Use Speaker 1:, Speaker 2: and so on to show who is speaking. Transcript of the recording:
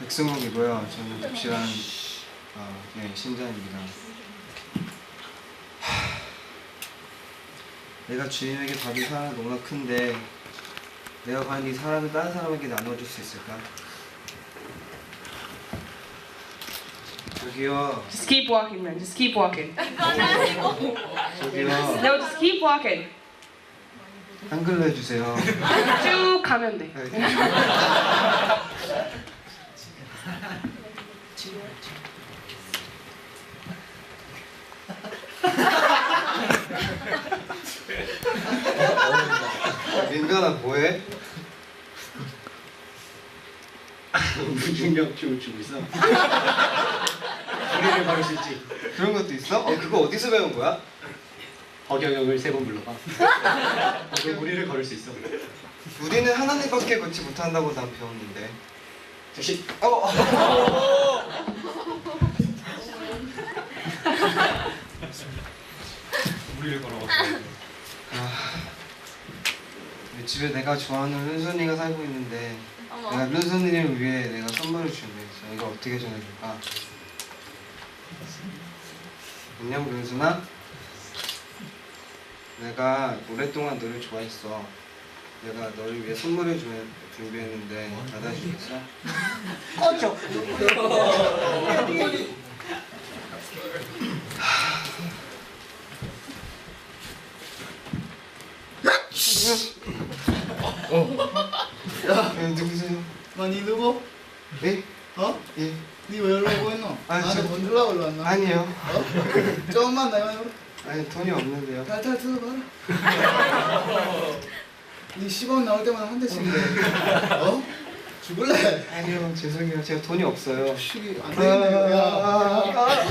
Speaker 1: 백승욱이고요. 저는 독실한 신자입니다. 내가 주님에게 받은 사랑은 너무나 큰데 내가 과연 이 사랑을 다른 사람에게 나눠줄 수 있을까? 저기요.
Speaker 2: Just keep walking, man. Just keep walking.
Speaker 1: 저기요.
Speaker 2: No, just keep walking.
Speaker 1: 한글로 해주세요.
Speaker 2: 쭉 가면 돼.
Speaker 1: 민간아 뭐해?
Speaker 3: 무중력 춤을 추고 있어. 우리를 걸을 수 있지.
Speaker 1: 그런 것도 있어? 그거 어디서 배운 거야?
Speaker 3: 허경영을 3번 불러봐. 그럼 우리를 걸을 수 있어.
Speaker 1: 우리는 하나님밖에 걷지 못한다고 난 배웠는데.
Speaker 3: 즉시. 우리를 걸어봐.
Speaker 1: 집에 내가 좋아하는 른손이가 살고 있는데 내가 른손이를 위해 내가 선물을 준비했어. 이거 어떻게 전해줄까? 안녕 른손아. 내가 오랫동안 너를 좋아했어. 내가 너를 위해 선물을 준비했는데 받아주겠어?
Speaker 2: 꺼져.
Speaker 1: 누구세요?
Speaker 4: 니 누구?
Speaker 1: 네?
Speaker 4: 어?
Speaker 1: 예.
Speaker 4: 니 왜 연락 오고 있노?
Speaker 1: 아,
Speaker 4: 나한테
Speaker 1: 저-
Speaker 4: 건들라고 일로 왔나?
Speaker 1: 아니요.
Speaker 4: 어? 조금만 내가 해봐.
Speaker 1: 아니 돈이 없는데요.
Speaker 4: 탈탈 뜯어봐라. 니 10원 나올 때마다 한 대씩 내. 어? 죽을래?
Speaker 1: 아니요 죄송해요. 제가 돈이 없어요.
Speaker 4: 시기 안 되겠네. 야.